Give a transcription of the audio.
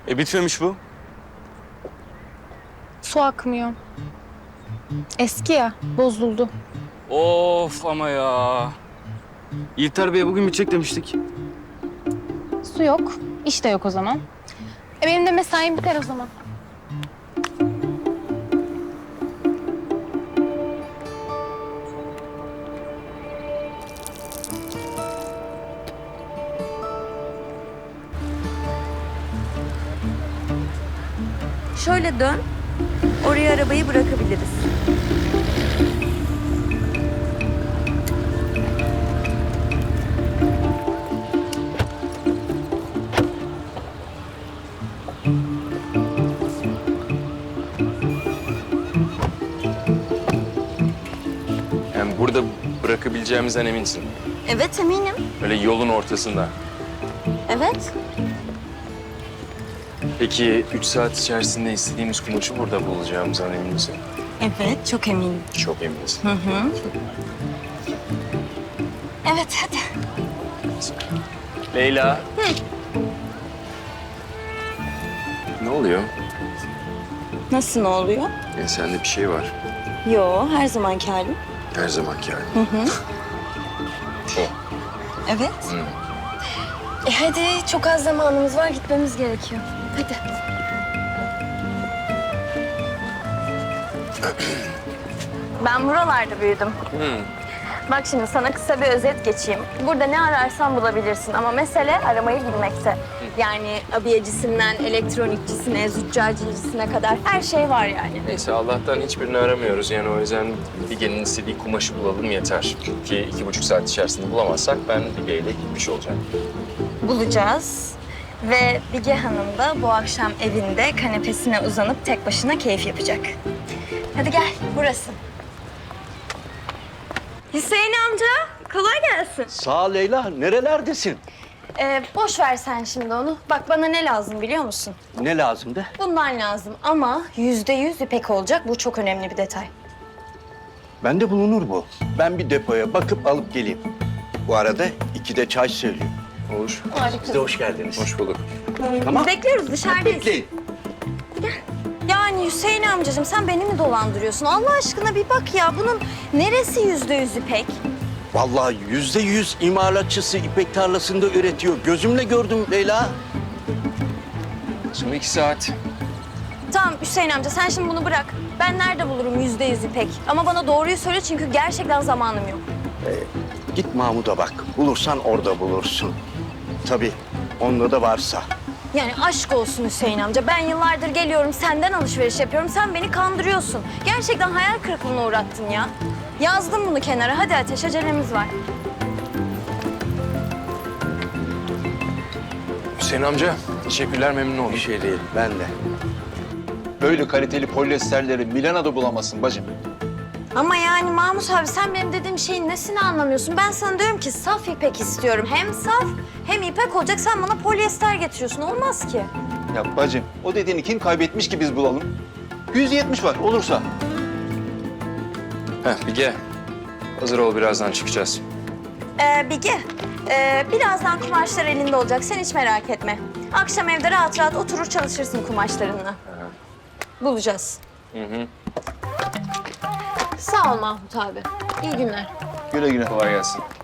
Bitmemiş bu. Su akmıyor. Eski ya, bozuldu. Of ama ya. İlter Bey'e bugün bitecek demiştik. Su yok, iş de yok o zaman. Benim de mesaim biter o zaman. Şöyle dön. Oraya arabayı bırakabiliriz. Yani burada bırakabileceğimizden eminsin. Evet, eminim. Öyle yolun ortasında. Evet. Peki 3 saat içerisinde istediğimiz kumaşı burada bulacağımızdan emin misin? Evet, çok eminim. Çok eminiz. Evet, hadi. Leyla. Ne oluyor? Nasıl, ne oluyor? Sende bir şey var. Yo, her zamanki halim. Her zamanki yani. Evet. Hadi, çok az zamanımız var, gitmemiz gerekiyor. Hadi. Ben buralarda büyüdüm. Bak şimdi sana kısa bir özet geçeyim. Burada ne ararsan bulabilirsin ama mesele aramayı bilmekte. Yani abiyecisinden elektronikçisine, züccaciyecisine kadar her şey var yani. Neyse Allah'tan hiçbirini aramıyoruz. Yani o yüzden Bilge'nin istediği kumaşı bulalım yeter. Ki 2,5 saat içerisinde bulamazsak ben Bilge'yle gitmiş olacağım. Bulacağız. Ve Bige Hanım da bu akşam evinde kanepesine uzanıp tek başına keyif yapacak. Hadi gel, burası. Hüseyin amca, kolay gelsin. Sağ ol Leyla. Nerelerdesin? Boş ver sen şimdi onu. Bak bana ne lazım biliyor musun? Ne lazımdı? Bundan lazım ama %100 ipek olacak. Bu çok önemli bir detay. Bende bulunur bu. Ben bir depoya bakıp alıp geleyim. Bu arada 2'de çay söyleyeyim. Olur. Siz de hoş geldiniz. Hoş bulduk. Tamam. Bekliyoruz, dışarıdayız. Bekleyin. Yani Hüseyin amcacığım sen beni mi dolandırıyorsun? Allah aşkına bir bak ya. Bunun neresi %100 ipek? Vallahi %100 imalatçısı ipek tarlasında üretiyor. Gözümle gördüm Leyla. Son 2 saat. Tamam Hüseyin amca sen şimdi bunu bırak. Ben nerede bulurum %100 ipek? Ama bana doğruyu söyle çünkü gerçekten zamanım yok. Git Mahmut'a bak. Bulursan orada bulursun. Tabii onda da varsa. Yani aşk olsun Hüseyin amca. Ben yıllardır geliyorum, senden alışveriş yapıyorum. Sen beni kandırıyorsun. Gerçekten hayal kırıklığına uğrattın ya. Yazdım bunu kenara. Hadi Ateş, acelemiz var. Hüseyin amca, teşekkürler, memnun oldum. Bir şey değil. Ben de. Böyle kaliteli polyesterleri Milano'da bulamazsın bacım. Ama yani Mahmut abi sen benim dediğim şeyin nesini anlamıyorsun? Ben sana diyorum ki saf ipek istiyorum. Hem saf hem ipek olacak. Sen bana polyester getiriyorsun. Olmaz ki. Ya bacım, o dediğini kim kaybetmiş ki biz bulalım? 170 var, olursa. Bilge, hazır ol, birazdan çıkacağız. Bige, birazdan kumaşlar elinde olacak. Sen hiç merak etme. Akşam evde rahat rahat oturur çalışırsın kumaşlarınla. Bulacağız. Sağ ol Mahmut abi. İyi günler. Güle güle. Kolay gelsin.